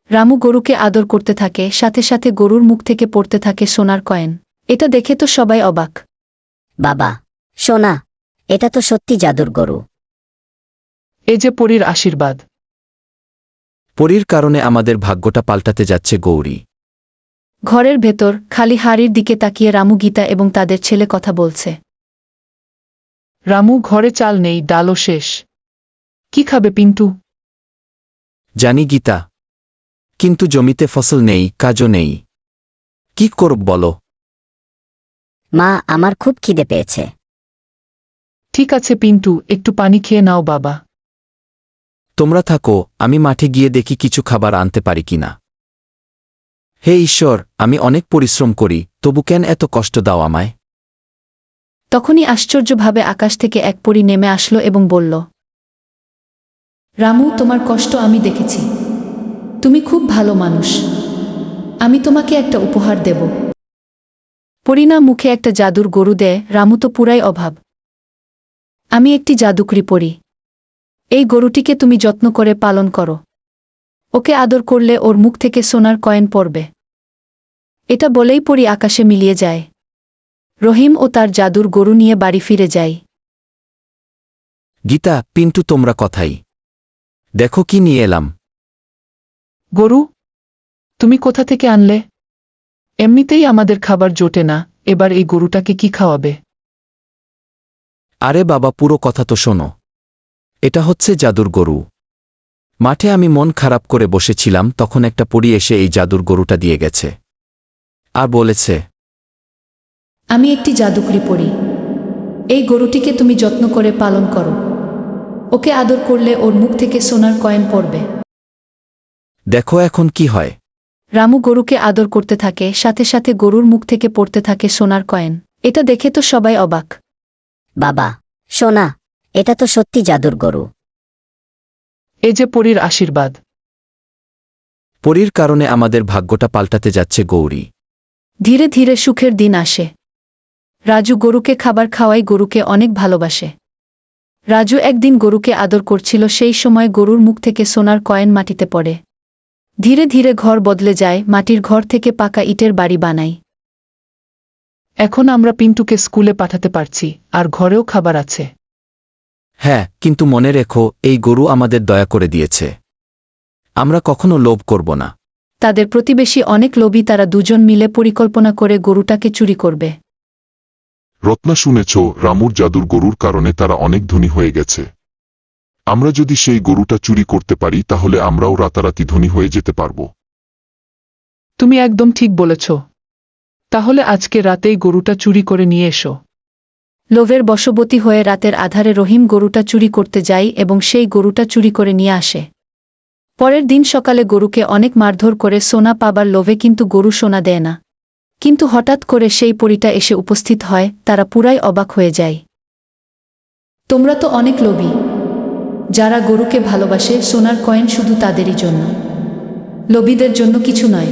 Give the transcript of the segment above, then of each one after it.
রামু গরুকে আদর করতে থাকে, সাথে সাথে গরুর মুখ থেকে পড়তে থাকে সোনার কয়েন। এটা দেখে তো সবাই অবাক। বাবা, সোনা, এটা তো সত্যি জাদুর গরু। এ যে পরীর আশীর্বাদ। পরীর কারণে আমাদের ভাগ্যটা পাল্টাতে যাচ্ছে গৌরী। ঘরের ভেতর খালি হাড়ির দিকে তাকিয়ে রামু, গীতা এবং তাদের ছেলে কথা বলছে। রামু, ঘরে চাল নেই, ডালও শেষ। কি খাবে পিন্টু? জানি গীতা, কিন্তু জমিতে ফসল নেই, কাজও নেই। কি করব বলো? মা, আমার খুব খিদে পেয়েছে। ঠিক আছে পিন্টু, একটু পানি খেয়ে নাও বাবা। তোমরা থাকো, আমি মাঠে গিয়ে দেখি কিছু খাবার আনতে পারি কিনা। হে ঈশ্বর, আমি অনেক পরিশ্রম করি, তবু কেন এত কষ্ট দাও আমায়? তখনই আশ্চর্যভাবে আকাশ থেকে এক পরী নেমে আসলো এবং বলল, রামু, তোমার কষ্ট আমি দেখেছি। তুমি খুব ভালো মানুষ। আমি তোমাকে একটা উপহার দেব। পরীনা মুখে একটা জাদুর গরু দেয়। রামু তো পুরাই অভাব। আমি একটি জাদুকরি পরী। এই গরুটিকে তুমি যত্ন করে পালন করো। ওকে আদর করলে ওর মুখ থেকে সোনার কয়েন পড়বে। এটা বলেই পরী আকাশে মিলিয়ে যায়। রহিম ও তার জাদুর গরু নিয়ে বাড়ি ফিরে যায়। গীতা, পিন্টু, তোমরা কথাই দেখো কি নিয়ে এলাম। গরু? তুমি কোথা থেকে আনলে? এমনিতেই আমাদের খাবার জোটে না, এবার এই গরুটাকে কি খাওয়াবে? আরে বাবা, পুরো কথা তো শোনো। এটা হচ্ছে জাদুর গরু। মাঠে আমি মন খারাপ করে বসেছিলাম, তখন একটা পরী এসে এই জাদুর গরুটা দিয়ে গেছে আর বলেছে, আমি একটি জাদুকরি পরী। এই গরুটিকে তুমি যত্ন করে পালন করো। ওকে আদর করলে ওর মুখ থেকে সোনার কয়েন পড়বে। দেখো এখন কি হয়। রামু গরুকে আদর করতে থাকে, সাথে সাথে গরুর মুখ থেকে পড়তে থাকে সোনার কয়েন। এটা দেখে তো সবাই অবাক। বাবা, সোনা, এটা তো সত্যি জাদুর গরু। এ যে পরীর আশীর্বাদ। পরীর কারণে আমাদের ভাগ্যটা পাল্টাতে যাচ্ছে গৌরী। ধীরে ধীরে সুখের দিন আসে। রাজু গরুকে খাবার খাওয়াই গরুকে অনেক ভালোবাসে। রাজু একদিন গরুকে আদর করছিল, সেই সময় গরুর মুখ থেকে সোনার কয়েন মাটিতে পড়ে। ধীরে ধীরে ঘর বদলে যায়, মাটির ঘর থেকে পাকা ইটের বাড়ি বানায়। এখন আমরা পিন্টুকে স্কুলে পাঠাতে পারছি, আর ঘরেও খাবার আছে। হ্যাঁ, কিন্তু মনে রেখো, এই গরু আমাদের দয়া করে দিয়েছে। আমরা কখনো লোভ করব না। তাদের প্রতিবেশী অনেক লোভী, তারা দুজন মিলে পরিকল্পনা করে গরুটাকে চুরি করবে। রত্না, শুনেছ রামুর জাদুর গরুর কারণে তারা অনেক ধনী হয়ে গেছে। আমরা যদি সেই গরুটা চুরি করতে পারি তাহলে আমরাও রাতারাতি ধনী হয়ে যেতে পারব। তুমি একদম ঠিক বলেছ। তাহলে আজকে রাতেই গরুটা চুরি করে নিয়ে এসো। লোভের বশবর্তী হয়ে রাতের আধারে রহিম গরুটা চুরি করতে যায় এবং সেই গরুটা চুরি করে নিয়ে আসে। পরের দিন সকালে গরুকে অনেক মারধর করে সোনা পাবার লোভে, কিন্তু গরু সোনা দেয় না। কিন্তু হঠাৎ করে সেই পরীটা এসে উপস্থিত হয়, তারা পুরাই অবাক হয়ে যায়। তোমরা তো অনেক লোভী। যারা গরুকে ভালোবাসে, সোনার কয়েন শুধু তাদেরই জন্য, লোভীদের জন্য কিছু নয়।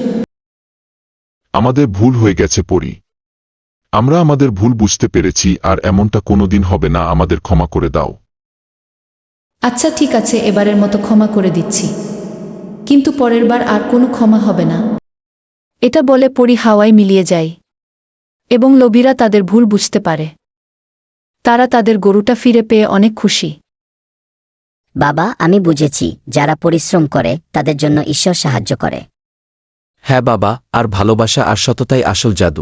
আমাদের ভুল হয়ে গেছে পরি। আমরা আমাদের ভুল বুঝতে পেরেছি, আর এমনটা কোনোদিন হবে না। আমাদের ক্ষমা করে দাও। আচ্ছা ঠিক আছে, এবারের মতো ক্ষমা করে দিচ্ছি, কিন্তু পরের বার আর কোনো ক্ষমা হবে না। এটা বলে পরী হাওয়ায় মিলিয়ে যায় এবং লোভীরা তাদের ভুল বুঝতে পারে। তারা তাদের গরুটা ফিরে পেয়ে অনেক খুশি। বাবা, আমি বুঝেছি, যারা পরিশ্রম করে তাদের জন্য ঈশ্বর সাহায্য করে। হ্যাঁ বাবা, আর ভালোবাসা আর সততাই আসল জাদু।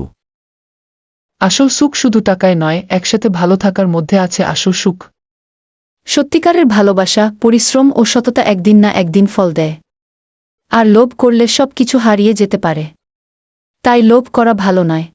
আসল সুখ শুধু টাকায় নয়, একসাথে ভালো থাকার মধ্যে আছে আসল সুখ। সত্যিকারের ভালোবাসা, পরিশ্রম ও সততা একদিন না একদিন ফল দেয়। আর লোভ করলে সব কিছু হারিয়ে যেতে পারে। তাই লোভ করা ভালো নয়।